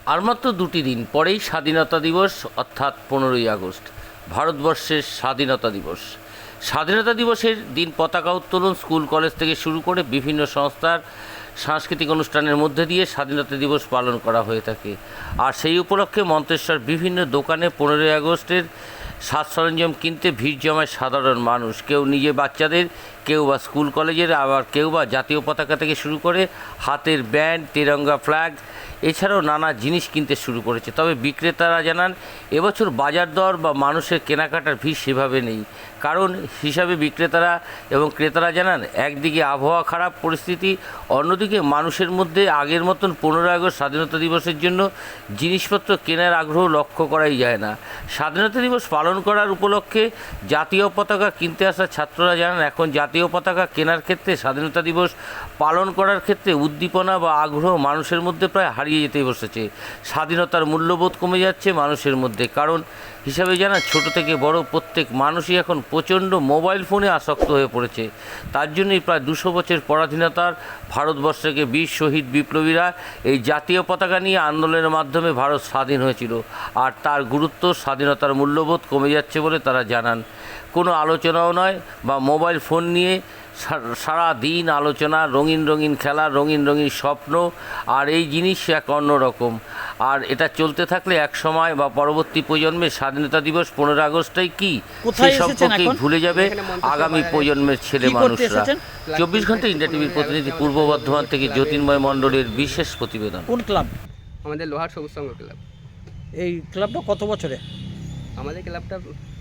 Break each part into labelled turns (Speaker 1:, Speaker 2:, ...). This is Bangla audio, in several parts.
Speaker 1: আর মাত্র 2টি দিন পরেই স্বাধীনতা দিবস, অর্থাৎ 15ই আগস্ট, ভারতবর্ষের স্বাধীনতা দিবস। স্বাধীনতা দিবসের দিন পতাকা উত্তোলন, স্কুল কলেজ থেকে শুরু করে বিভিন্ন সংস্থার সাংস্কৃতিক অনুষ্ঠানের মধ্যে দিয়ে স্বাধীনতা দিবস পালন করা হয়ে থাকে। আর সেই উপলক্ষে মন্তেশ্বর বিভিন্ন দোকানে 15ই আগস্টের সাজ সরঞ্জাম কিনতে ভিড় জমায় সাধারণ মানুষ। কেউ নিজে বাচ্চাদের, কেউ বা স্কুল কলেজের, আবার কেউ বা জাতীয় পতাকা থেকে শুরু করে হাতের ব্যান্ড, তিরঙ্গা ফ্ল্যাগ এছাড়াও নানা জিনিস কিনতে শুরু করেছে। তবে বিক্রেতারা জানান এবছর বাজার দর বা মানুষের কেনাকাটার ভিড় সেভাবে নেই। কারণ হিসাবে বিক্রেতারা এবং ক্রেতারা জানান, একদিকে আবহাওয়া খারাপ পরিস্থিতি, অন্যদিকে মানুষের মধ্যে আগের মতন 15ই আগস্ট স্বাধীনতা দিবসের জন্য জিনিসপত্র কেনার আগ্রহ লক্ষ্য করাই যায় না। স্বাধীনতা দিবস পালন করার উপলক্ষে জাতীয় পতাকা কিনতে আসা ছাত্ররা জানান, এখন জাতীয় পতাকা কেনার ক্ষেত্রে, স্বাধীনতা দিবস পালন করার ক্ষেত্রে উদ্দীপনা বা আগ্রহ মানুষের মধ্যে প্রায় হারিয়ে যেতে বসেছে। স্বাধীনতার মূল্যবোধ কমে যাচ্ছে মানুষের মধ্যে। কারণ হিসাবে জানা, ছোট থেকে বড় প্রত্যেক মানুষই এখন প্রচণ্ড মোবাইল ফোনে আসক্ত হয়ে পড়েছে। তার জন্যই প্রায় 200 বছর পরাধীনতার ভারতবর্ষকে বীর শহীদ বিপ্লবীরা এই জাতীয় পতাকা নিয়ে আন্দোলনের মাধ্যমে ভারত স্বাধীন হয়েছিল। আর তার গুরুত্ব, স্বাধীনতার মূল্যবোধ কমে যাচ্ছে বলে তারা জানান। কোনো আলোচনাও নয় বা মোবাইল ফোন নিয়ে সারা দিন আলোচনা, রঙিন রঙিন খেলা, রঙিন রঙিন স্বপ্ন, আর এই জিনিস এক অন্যরকম। আর এটা চলতে থাকলে এক সময় বা পরবর্তী প্রজন্মের স্বাধীনতা দিবস 15 আগস্টই কি সে সম্পর্কে ভুলে যাবে আগামী প্রজন্মের ছেলে মানুষরা। 24 ঘন্টা ইন্ডিয়া টিভির প্রতিনিধি পূর্ব বর্ধমান থেকে জ্যোতির্ময় মণ্ডলের বিশেষ প্রতিবেদন।
Speaker 2: কোন ক্লাব?
Speaker 3: আমাদের লোহার সবুজ সংঘ ক্লাব।
Speaker 2: এই ক্লাবটা কত বছরে?
Speaker 3: আমাদের ক্লাবটা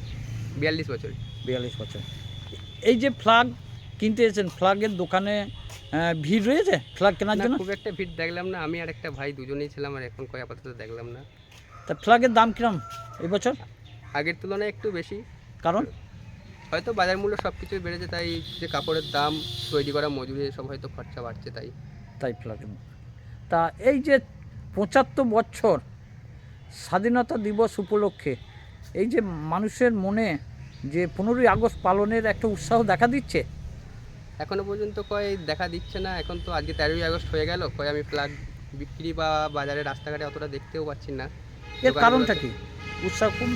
Speaker 3: 42 বছর।
Speaker 2: 42 বছর। এই যে ফ্ল্যাগ কিনতে এসেছেন, ফ্ল্যাগের দোকানে ভিড় রয়েছে ফ্ল্যাগ কেনার জন্য?
Speaker 3: খুব একটা ভিড় দেখলাম না, আমি আর একটা ভাই দুজনেই ছিলাম, আর এখন কয় আপাতত দেখলাম না।
Speaker 2: তা ফ্ল্যাগের দাম কিরম এবছর?
Speaker 3: আগের তুলনায় একটু বেশি।
Speaker 2: কারণ
Speaker 3: হয়তো বাজার মূল্য সব কিছুই বেড়েছে, তাই যে কাপড়ের দাম, তৈরি করা মজুরি, সব হয়তো খরচা বাড়ছে তাই
Speaker 2: ফ্ল্যাগের। তা এই যে 75 বছর স্বাধীনতা দিবস উপলক্ষে এই যে মানুষের মনে যে 15ই আগস্ট পালনের একটা উৎসাহ দেখা দিচ্ছে,
Speaker 3: এখনো পর্যন্ত কয় দেখা দিচ্ছে না। এখন তো আজকে 13ই আগস্ট হয়ে গেল, কয় আমি ফ্ল্যাগ বিক্রি বা বাজারে রাস্তাঘাটে অতটা দেখতেও পাচ্ছি না।
Speaker 2: এর কারণটা কি? উৎসাহ কম?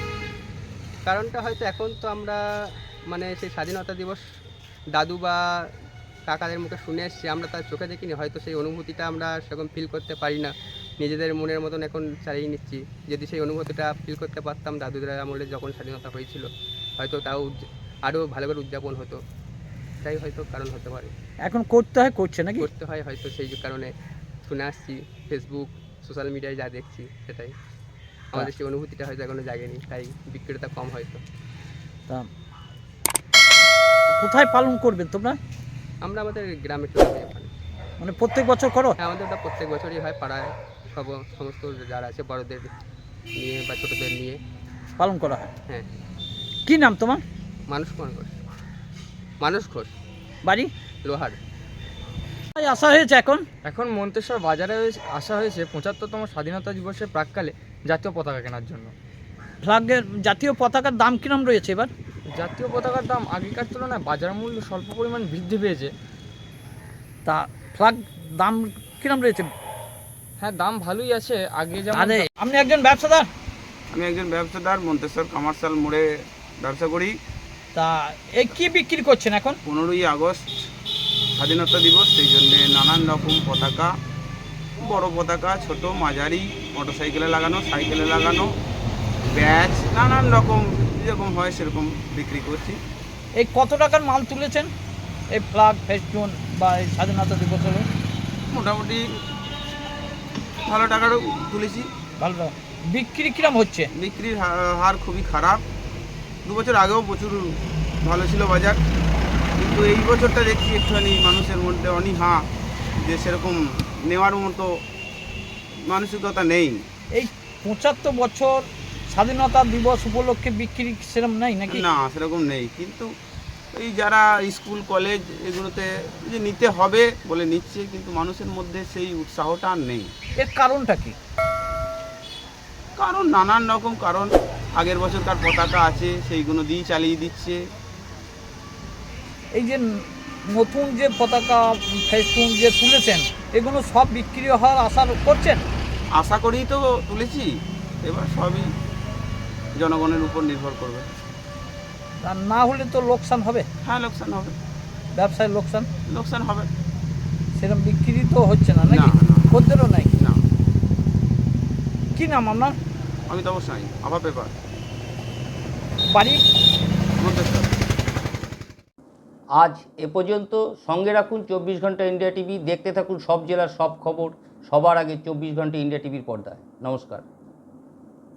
Speaker 3: কারণটা হয়তো এখন তো আমরা মানে সেই স্বাধীনতা দিবস দাদু বা কাকাদের মুখে শুনে এসেছি, আমরা তার চোখে দেখিনি, হয়তো সেই অনুভূতিটা আমরা সেরকম ফিল করতে পারি না। নিজেদের মনের মতন এখন চালিয়ে নিচ্ছি। যদি সেই অনুভূতিটা ফিল করতে পারতাম দাদুদের আমলে যখন স্বাধীনতা হয়েছিল, হয়তো তাও আরও ভালো করে উদযাপন হতো। তাই হয়তো কারণ হতে পারে।
Speaker 2: এখন করতে হয়, করছে নাকি?
Speaker 3: করতে হয় হয়তো, সেই কারণে শুনে আসছি, ফেসবুক সোশ্যাল মিডিয়ায় যা দেখছি সেটাই। আমাদের সেই অনুভূতিটা হয়তো এখনো জাগেনি, তাই বিক্রেতা কম হয়তো।
Speaker 2: তা কোথায় পালন করবেন তোমরা?
Speaker 3: আমরা আমাদের গ্রামে ক্লাবে ওখানে।
Speaker 2: মানে প্রত্যেক বছর করো?
Speaker 3: হ্যাঁ, আমাদের ওটা প্রত্যেক বছরই হয়। পাড়ায় সমস্ত যারা আছে বড়দের নিয়ে বা ছোটদের নিয়ে
Speaker 2: পালন করা হয়।
Speaker 3: হ্যাঁ।
Speaker 2: কি নাম তোমার?
Speaker 3: মানুষ ঘোষ।
Speaker 2: বাড়ি?
Speaker 3: লোহার।
Speaker 2: আসা হয়েছে
Speaker 4: এখন মন্তেশ্বর বাজারে আসা হয়েছে 75তম স্বাধীনতা দিবসের প্রাক্কালে জাতীয় পতাকা কেনার জন্য।
Speaker 2: ফ্ল্যাগের জাতীয় পতাকার দাম কিরম রয়েছে এবার?
Speaker 4: জাতীয় পতাকার দাম আগেকার তুলনায় বাজার মূল্য স্বল্প পরিমাণ বৃদ্ধি পেয়েছে।
Speaker 2: তা ফ্ল্যাগ দাম কিরম রয়েছে?
Speaker 4: হ্যাঁ, দাম ভালোই আছে। আগে যেমন
Speaker 2: আপনি একজন ব্যবসাদার?
Speaker 5: আমি একজন ব্যবসাদার, মন্তেশ্বর কমার্শিয়াল মোড়ে ব্যবসা করি।
Speaker 2: তা এই কি বিক্রি করছেন এখন?
Speaker 5: 15ই আগস্ট স্বাধীনতা দিবস, সেই জন্যে নানান রকম পতাকা, বড় পতাকা, ছোট মাঝারি, মোটরসাইকেলে লাগানো, সাইকেলে লাগানো, ব্যাচ, নানান রকম যেরকম হয় সেরকম বিক্রি করছি।
Speaker 2: এই কত টাকার মাল তুলেছেন এই ফ্ল্যাগ ফেস্টুন বা এই স্বাধীনতা দিবস হলো?
Speaker 5: মোটামুটি ভালো টাকারও তুলেছি।
Speaker 2: ভালো টাকা। বিক্রি কিরম হচ্ছে?
Speaker 5: বিক্রির হার খুবই খারাপ। 2 বছর আগেও প্রচুর ভালো ছিল বাজার, কিন্তু এই বছরটা দেখছি একটুখানি মানুষের মধ্যে অনীহা, যে সেরকম নেওয়ার মতো মানসিকতা নেই।
Speaker 2: এই 75 বছর স্বাধীনতা দিবস উপলক্ষে বিক্রি সেরকম নেই নাকি?
Speaker 5: না, সেরকম নেই। কিন্তু এই যারা স্কুল কলেজ এগুলোতে যে নিতে হবে বলে নিচ্ছে, কিন্তু মানুষের মধ্যে সেই উৎসাহটা আর নেই।
Speaker 2: এর কারণটা কি?
Speaker 5: কারণ নানান রকম কারণ। আগের বছরকার পতাকা আছে, সেইগুলো দিয়েই চালিয়ে দিচ্ছে।
Speaker 2: এই যে নতুন যে পতাকা ফেস্টুন যে তুলেছেন, এগুলো সব বিক্রি হওয়ার আশা করছেন?
Speaker 5: আশা করেই তো তুলেছি, এবার সবই জনগণের উপর নির্ভর করবে।
Speaker 2: আর না হলে তো লোকসান হবে,
Speaker 5: হ্যাঁ, লোকসান হবে,
Speaker 2: ব্যবসায় লোকসান,
Speaker 5: লোকসান হবে।
Speaker 2: সেরকম বিক্রি তো হচ্ছে না নাকি?
Speaker 5: না, না।
Speaker 2: খদ্দেরও নাই।
Speaker 5: না,
Speaker 2: কি নাম আপনার?
Speaker 5: আমি তো অবশ্যই আভা পেপার
Speaker 2: বাড়ি?
Speaker 5: মন্তেশ্বর।
Speaker 1: আজ এ পর্যন্ত। সঙ্গে রাখুন 24 ঘন্টা ইন্ডিয়া টিভি। দেখতে থাকুন সব জেলার সব খবর সবার আগে 24 ঘন্টা ইন্ডিয়া টিভির পর্দায়। নমস্কার।